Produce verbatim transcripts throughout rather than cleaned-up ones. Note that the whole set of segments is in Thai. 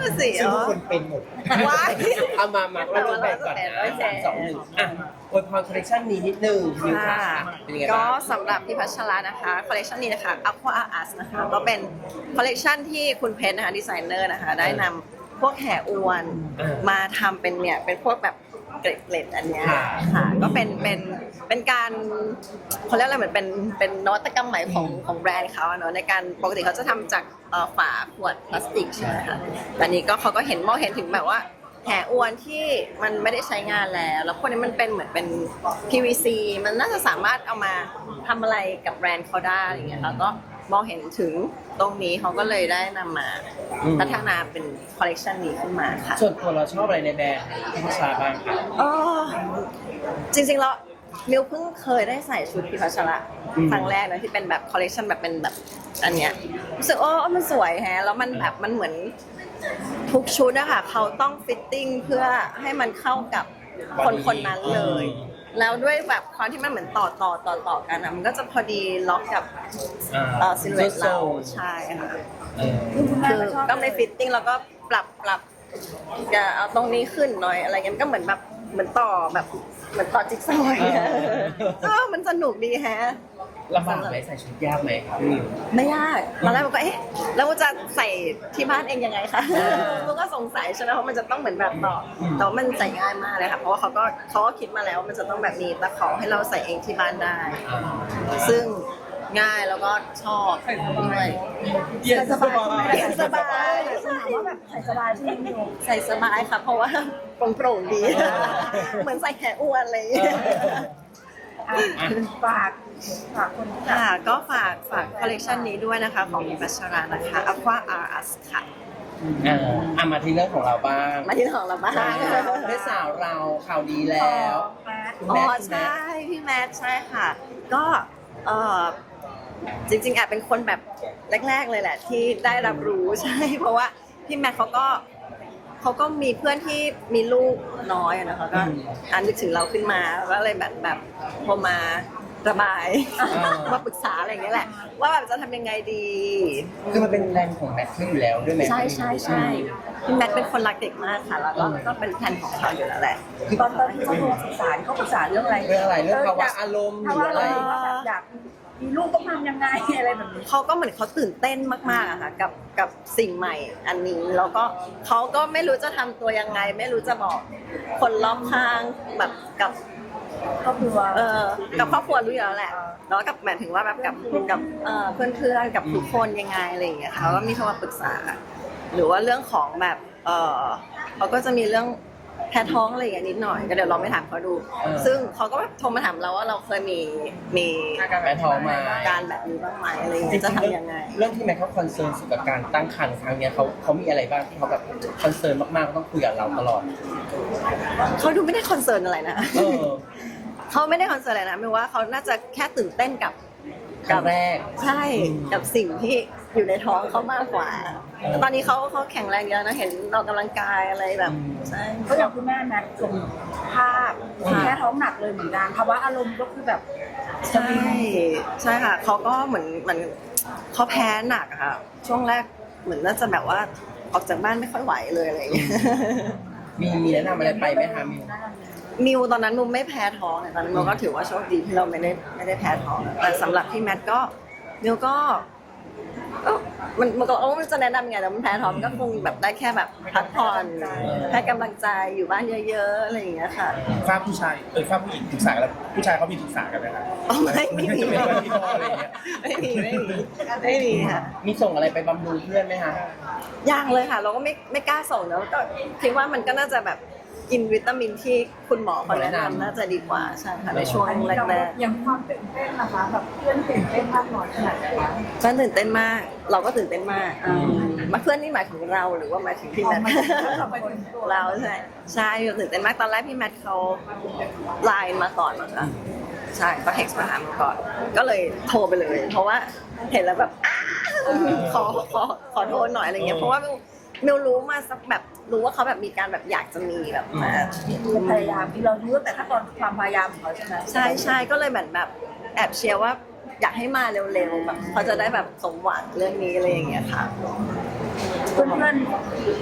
น่ะสิซึ่งอ๋ทุกอคนเป็นหมดว้ายเอามามาเราจะแบ่งก่อนนะสามสองหนึ่งอ่ะอวยพรคอลเลคชันนี้นิดนึงมิวค่ะค่ะเป็นยังไงก็บ้างสำหรับพี่พัชระนะคะคอลเลคชันนี้นะคะ Aqua Art นะคะก็เป็นคอลเลคชันที่คุณเพชรนะคะดีไซเนอร์นะคะได้นำพวกแห่อวนมาทำเป็นเนี่ยเป็นพวกแบบเกล็ดๆอันเนี้ยค่ะก็เป็นเป็นเป็นการเขาเรียกอะไรเหมือนเป็นเป็นนวัตกรรมใหม่ของของแบรนด์เขาอะเนาะในการปกติเขาจะทำจากเอ่อฝาขวดพลาสติกใช่ไหมคะแต่นี้ก็เขาก็เห็นมองเห็นถึงแบบว่าแห่อวนที่มันไม่ได้ใช้งานแล้ว แล้วพวกนี้มันเป็นเหมือนเป็น พี วี ซี มันน่าจะสามารถเอามาทำอะไรกับแบรนด์เขาได้อย่างเงี้ยค่ะก็มองเห็นถึงตรงนี้เขาก็เลยได้นำมาพัฒนาเป็นคอลเลกชันนี้ขึ้นมาค่ะส่วนตัวเราชอบอะไรในแบรนด์พี่พัชราบ้างคะอ๋อจริงๆแล้วมิวเพิ่งเคยได้ใส่ชุดพิพัชระครั้งแรกนะที่เป็นแบบคอลเลกชันแบบเป็นแบบอันเนี้ยรู้สึกโอ้มันสวยแฮะแล้วมันแบบมันเหมือนทุกชุดอะค่ะเขาต้องฟิตติ้งเพื่อให้มันเข้ากับคนคนนั้นเลย แล้วด้วยแบบความที่มันเหมือนต่อต่อต่อต่อกันอะมันก็จะพอดีล็อกกับเอ่อซิลเวตเราใช่ค่ะเออคือต้องในฟิตติ้งแล้วก็ปรับปรับจะเอาตรงนี้ขึ้นหน่อยอะไรเงี้ยมันก็เหมือนแบบเหมือนต่อแบบเหมือนต่อจิ๊กซอว์อย่างเงี้ยเออมันสนุกดีแฮะลำบากไหมใส่ชุดยากไหมครับมิวไม่ยากตอนแรกมันก็เอ๊ะแล้วมันจะใส่ที่บ้านเองยังไงคะมันก็สงสัยใช่ไหมเพราะมันจะต้องเหมือนแบบต่อแต่ว่ามันใส่ง่ายมากเลยค่ะเพราะว่าเขาก็เขาก็คิดมาแล้วมันจะต้องแบบมีตะขอให้เราใส่เองที่บ้านได้ ซึ่งง่ายแล้วก็ชอบด้วยเย็นสบายเย็นสบายถามว่าแบบใส่สบายใช่ไหมพี่โยใส่สบายค่ะ เพราะว่าโปร่งโปร่งๆดี เหมือนใส่แขนอ้วนอะไรอย่างเลยอ่ะฝากฝากคนที่ค่ะก็ฝากฝากคอลเลกชันนี้ด้วยนะคะของมิพัชรานะคะ Aqua Art ค่ะอ่าอ่ะมาที่เรื่องของเราบ้างมาที่ของเราบ้างได้สาวเราข่าวดีแล้วคุณอ๋แม่อคุณแม่ใช่พี่แมทใช่ค่ะ ก็เออจริงๆแอบเป็นคนแบบแรก ๆ เลยแหละ ที่ได้รับรู้ใช่ เพราะว่าพี่แมทเขาก็เขาก็มีเพื่อนที่มีลูกน้อยอะนะคะก็อ่านนึกถึงเราขึ้นมาก็เลยแบบแบบโทรมาระบาย มาปรึกษาอะไรอย่างเงี้ยแหละ ว่าแบบจะทำยังไงดีคือมันเป็นแบรนด์ของแมทเทอร์อยู่แล้วด้วยไหมใช่ใช่ใช่พี่แมทเป็นคนรักเด็กมากค่ะ แล้วก็ก็เป็นแผนของเขาอยู่แล้วแหละตอนตอนที่เขาโทรศึกษาเขาปรึกษาเรื่องอะไรเรื่องอะไรเรื่องภาวะอารมณ์หภารือวะอะอะไร ไรว่าแบบอยากมีลูกต้องทำยังไงอะไรแบบนี้เขาก็เหมือนเขาตื่นเต้นมากๆอะค่ะกับกับสิ่งใหม่อันนี้แล้วก็เขาก็ไม่รู้จะทำตัวยังไง ไม่รู้จะบอกคนรอบข้างแบบกับครอบครัวเออกับครอบครัวรู้อยู่แล้วแหละแล้วกับหมายถึงว่าแบบกับกับเอ่อเพื่อนๆกับทุกคนยังไงอะไรอย่างเงี้ยค่ะเขาก็มีโทรมาปรึกษา หรือว่าเรื่องของแบบเออเขาก็จะมีเรื่องแพ้ท้องอะไรอย่างเงี้ยนิดหน่อยก็เดี๋ยวลองไปถามเขาดู ซึ่งเขาก็แบบโทรมาถามเราว่าเราเคยมีมีแม่ท้องมาการแบบนี้บ้างไหมอะไรอย่างเงี้ยจะทำยังไงเรื่องที่แม่เขาคอนเซิร์นสุดกับการตั้งครรภ์ครั้งเนี้ยเขาเขามีอะไรบ้างที่เขาแบบคอนเซิร์นมากๆต้องคุยกับเราตลอดเขาดูไม่ได้คอนเซิร์นอะไรนะเออเขาไม่ได้คอนเซิร์นอะไรนะไม่ว่าเขาน่าจะแค่ตื่นเต้นกับครั้งแรกใช่กับสิ่งที่อยู่ในท้องเขามากกว่าแต่ตอนนี้เขาเขาแข็งแรงเยอะนะเห็นออกกำลังกายอะไรแบบใช่ก็อย่างคุณแม่แมทลงภาพแค่ท้องหนักเลยเหมือนกันภาวะอารมณ์ก็คือแบบใช่ใช่ค่ะเขาก็เหมือนเหมือนเขาแพ้หนักอะค่ะ ช่วงแรกเหมือนน่าจะแบบว่าออกจากบ้านไม่ค่อยไหวเลยอะไรอย่างเงี้ยมีมีแนะนำอะไรไปไหมคะมิวมิวตอนนั้นมิวไม่แพ้ท้องเนี่ยตอนนั้นมิวก็ถือว่าโชคดีที่เราไม่ได้ไม่ได้แพ้ท้องแต่สำหรับพี่แมทก็มิวก็เอ้ามันมันก็โอ้มันจะแนะนำไงแต่มันแพ้ท้องมันก็คงแบบได้แค่แบบพักผ่อนให้กำลังใจอยู่บ้านเยอะๆอะไรอย่างเงี้ยค่ะฝ้าผู้ชายเออฝ้าผู้หญิงปรึกษากันแล้วผู้ชายเขามีปรึกษากันไหมครับอ๋อไม่ไม่มีไม่มีพี่พ่ออะไรอย่างเงี้ยไม่มีไม่มีไม่มีค่ะมีส่งอะไรไปบำรุงเพื่อนไหมคะยังเลยค่ะ เราก็ไม่ไม่กล้าส่งเนอะก็คิดว่ามันก็น่าจะแบบกินวิตามินที่คุณหมอเขาแนะนำน่าจะดีกว่าใช่ค่ะในช่วงอันนี้แรเรากยังความตื่นเต้นนะคะแบบเพื่อนตื่นเต้นมากน้อยขนาดไหนคะๆก็ตื่นเต้นมาก เราก็ตื่นเต้นมากมาเพื่อนนี่หมายถึงเราหรือว่าหมายถึงพี่แมท เราใช่ใช่ตื่นเต้นมากตอนแรกพี่แมทเขาไลน์มาก่อนมั้งคะใช่เขาเท็กซ์มาหามาก่อน ก็เลยโทรไปเลย เพราะว่าเห็นแล้วแบบ ขอขอขอโทษหน่อยอะไรเงี้ยเพราะว่ามิวมิวรู้มาสักแบบรู้ว่าเขาแบบมีการแบบอยากจะมีแบบมาพยายามที่เรารู้ตั้งแต่ขั้นตอนความพยายามของเขาใช่ไหมใช่ใช่ก็เลยเหมือนแบบแอบเชียร์ว่าอยากให้มาเร็วๆแบบเขาจะได้แบบสมหวังเรื่องนี้อะไรอย่างเงี้ยค่ะเพื่อนๆใน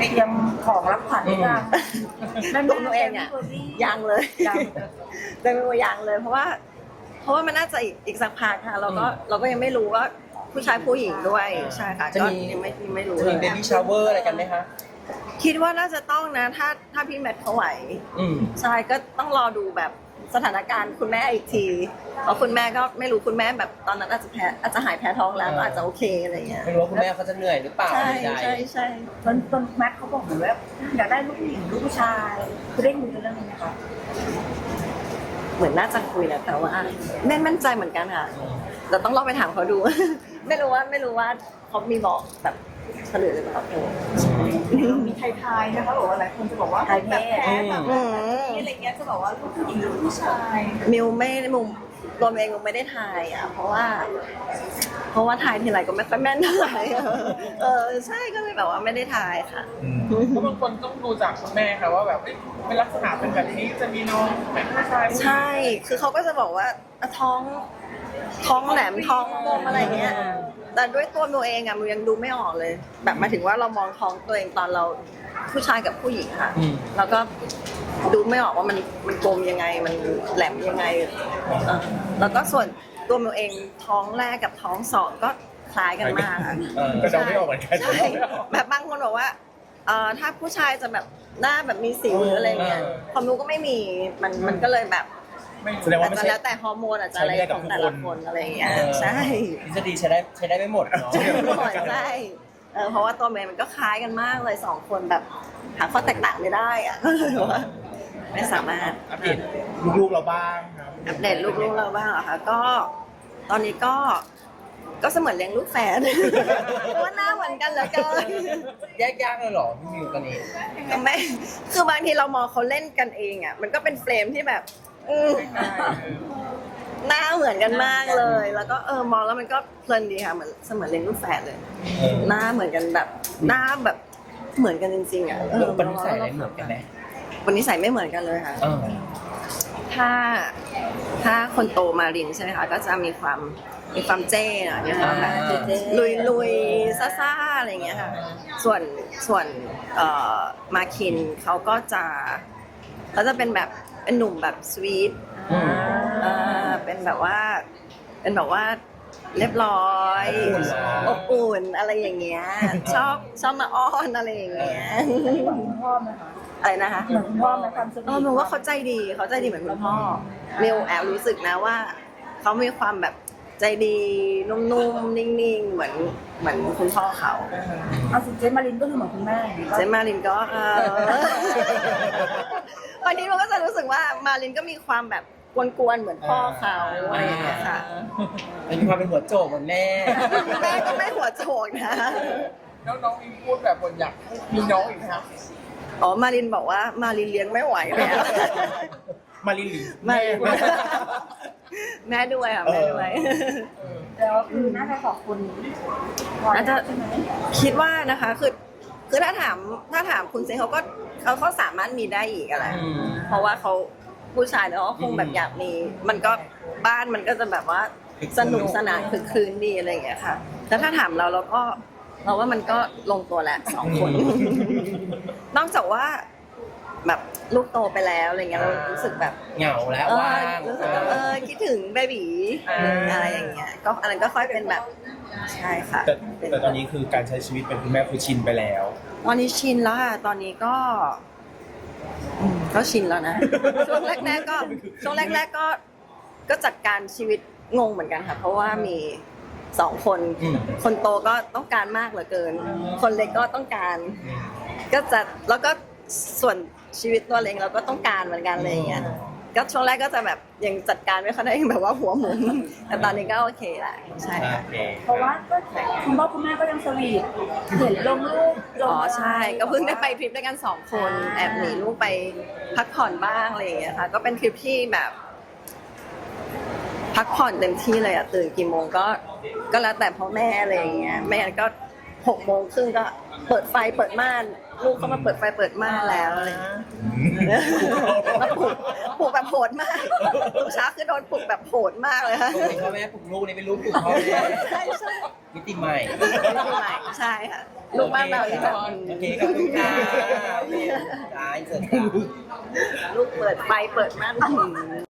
เตรียมของรับขวัญหรือยังแม่ตัวหนูเองอ่ะยังเลยยังแต่หนูยังเลย เพราะว่า เพราะว่ามันน่าจะอีกอีกสักพักค่ะเราก็เราก็ยังไม่รู้ว่าผู้ชายผู้หญิงด้วยใช่ค่ะจะก็มียังไม่ยังไม่รู้จะเลมียเบบี้ชาวเวอร์อะไรกันไหมคะคิดว่าน่าจะต้องนะ ถ้าถ้าพี่แมทเขาไหวอืมใช่ก็ต้องรอดูแบบสถานการณ์คุณแม่อีกทีเพราะคุณแม่ก็ไม่รู้คุณแม่แบบตอนนั้นอาจจะแพ้อาจจะหายแพ้ท้องแล้วก็อาจจะโอเคอะไรเงี้ยไม่รู้ว่าคุณแม่เขาจะเหนื่อยหรือเปล่าใช่ใดใช่ใช่ตอนตอนแม็กเขาบอกเหมือนว่าอยากได้ลูกผู้หญิงลูกผู้ชายคือได้คุยกันเรื่องนี้ไหมคะเหมือนน่าจะคุยแหละแต่ว่าไม่มั่นใจเหมือนกันค่ะเราต้องลองไปถามเขาดู ไม่รู้ว่าไม่รู้ว่าเขามีบอกแบบเฉลยหรือเปล่ามีไทยๆนะคะบอกว่าหลายคนจะบอกว่าแบบแพ้แบบอืมอะไรเงี้ยจะบอกว่าลูกผู้หญิงลูกผู้ชายมิวไม่มุมตัวมิวเองมิวไม่ได้ทายอ่ะเพราะว่า เพราะว่าทายทีไรก็ไม่ค่อยแม่นเท่าไหร่เออใช่ก็เลยแบบว่าไม่ได้ทายค่ะเพราะบางคนต้องดูจากคุณแม่ค่ะว่าแบบเอ้ยเป็นลักษณะเป็นแบบนี้จะมีน้องเป็นผู้ชายใช่ คือเขาก็จะบอกว่าอ่ะท้องท้องแหลมท้องมมอะไรเงี้ย แต่ด้วยตัวมิวเองอะมิวยังดูไม่ออกเลย แบบหมายถึงว่าเรามองท้องตัวเองตอนเราผู้ชายกับผู้หญิงค่ะอืมแล้วก็ดูไม่ออกว่ามันมันกลมยังไง มันแหลมยังไงเออแล้วก็ส่วนตัวมิวเองท้องแรกกับท้องสองก็คล้ายกันมากอะเออก็เดาไม่ออกเหมือนกันใช่แบบบางคนบอกว่าเอ่อถ้าผู้ชายจะแบบหน้าแบบมีสิวหรืออะไรเงี้ยความรู้ก็ไม่มีมันมันก็เลยแบบแสดงว่าอาจไม่จะใช่แล้วแต่ฮอร์โมนอาจจะอะไรของแต่ละคนอะไรเงี้ยเออใช่ทฤษฎีใช้ได้ใช้ได้ไม่หมดเนาะใช่ใช่เออเพราะว่าตัวเมย์มันก็คล้ายกันมากเลยสองคนแบบหาข้อแตกต่างไม่ได้อะก็เลยว่าไม่สามารถอัปเดตลูกๆเราบ้างครับอัปเดตลูกๆเราบ้างเหรอคะก็ตอนนี้ก็ก็เสมือนเลี้ยงลูกแฝด เพราะว่าหน้าเหมือนกันเหลือเกินแยกยากเลยเหรอพี่มิวตอนนี้ก็ไม่คือบางทีเรามองเขาเล่นกันเองอ่ะมันก็เป็นเฟรมที่แบบอืมหน้าเหมือนกันมากเลย แล้วก็เออมองแล้วมันก็เพลินดีค่ะเหมือนเสมือนเลี้ยงลูกแฝดเลยเออหน้าเหมือนกันแบบหน้าแบบเหมือนกันจริงๆอ่ะเอเรื่อองปณิสัยอะไรเหมือนกันไหมวันนี้ใส่ไม่เหมือนกันเลยค่ะเออถ้าถ้าคนโตมารินใช่ไหมคะก็จะมีความมีความเจ้หน่อยมีความแบบลุยลุยๆซ่าๆอะไรอย่างเงี้ยค่ะส่วนส่วนเอ่อมาคินเขาก็จะเขาจะเป็นแบบเป็นหนุ่มแบบสวีทอืมอ่าเป็นแบบว่าเป็นแบบว่าเรียบร้อยอบอุ่นเหรออบอุ่นอะไรอย่างเงี้ยชอบชอบมาอ้อนอะไรอย่างเงี้ยเหมือนคุณพ่อไหมคะอะไรนะคะเหมือนคุณพ่อไหมความสวีทเออมิวว่าเขาใจดีเขาใจดีเหมือนคุณพ่อมิวแอบรู้สึกนะว่าเขามีความแบบใจดีนุ่มๆนิ่งๆเหมือนเหมือนคุณพ่อเขาเอาสิเจมารินก็คือเหมือนคุณแม่อย่างนี้ก็เจนมารินก็เออบางทีมันก็จะรู้สึกว่ามารินก็มีความแบบกวนๆเหมือนพ่อเขาอะไรอย่างเงี้ยค่ะเป็นความเป็นหัวโจกเหมือนแม่แม่ก็ไม่หัวโจกนะแล้วน้องอิงพูดแบบคนอยากมีน้องอีกนะครับอ๋อมารินบอกว่ามารินเลี้ยงไม่ไหวแล้วมาลินหรือไม่แม่แม่ด้วยค่ะแม่ด้วยแล้วคือน่าจะขอบคุณพอน่าจะใช่ไหมคิดว่านะคะคือคือถ้าถามถ้าถามคุณเซนเขาก็เขาเขาสามารถมีได้อีกอะไรอืมเพราะว่าเขาผู้ชายแล้วก็คงแบบอยากมี มันก็บ้านมันก็จะแบบว่าสนุกสนานคึกคืนดีอะไรอย่างเงี้ยค่ะแต่ถ้าถามเราเราก็เราว่ามันก็ลงตัวแล้วสองคน นอกจากว่าแบบลูกโตไปแล้วอะไรเงี้ยเรารู้สึกแบบเหงาแล้วเออว่างรู้สึกแบบเออคิดถึงเบบีอ่าอะไรอย่างเงี้ยก็อันนั้นก็ค่อยเป็นแบบใช่ค่ะแต่แต่ตอนนี้คือการใช้ชีวิตเป็นคุณแม่คือชินไปแล้วตอนนี้ชินแล้วค่ะตอนนี้ก็อืมก็ชินแล้วนะ ช่วงแรกๆก็ช่วงแรก ๆก็ก็จัดการชีวิตงงเหมือนกันค่ะ เพราะว่ามีสองคนอืมคนโตก็ต้องการมากเหลือเกิน คนเล็กก็ต้องการ ก็จะแล้วก็ส่วนชีวิตตัวเองเราก็ต้องการเหมือนกันอะไรอย่างเงี้ยก็ช่วงแรกก็จะแบบยังจัดการไม่ค่อยได้แบบว่าหัวหมุนแต่ตอนนี้ก็โอเคแหละใช่ค่ะโอเคเพราะว่าก็คุณพ่อคุณแม่ก็ยังสวีทเห็นลงรูปลงอ๋อใช่ก็เพิ่งได้ไปทริปด้วยกันสองคนแอบหนีลูกไปพักผ่อนบ้างอะไรอย่างเงี้ยค่ะก็เป็นทริปที่แบบ พักผ่อนเต็มที่เลยอะตื่นกี่โมงก็ก็แล้วแต่พ่อแม่อะไรอย่างเงี้ยไม่งั้นก็หกโมงครึ่งก็เปิดไฟเปิดม่านลูกเขามาเปิดไฟเปิดม่านแล้วอะไรอย่างเงี้ยแล้วปลุกปลุกแบบโหดมากทุกเช้าคือโดนปลุกแบบโหดมากเลยค่ะปกติพ่อแม่ปลุกลูกนี่เป็นลูกปลุกพ่อแม่ใช่ใช่มิติใหม่ใช่ค่ะลูกบ้านเรานี่แบบโอเคขอบคุณค่ะโอเคได้เสร็จค่ะลูกเปิดไฟเปิดม่าน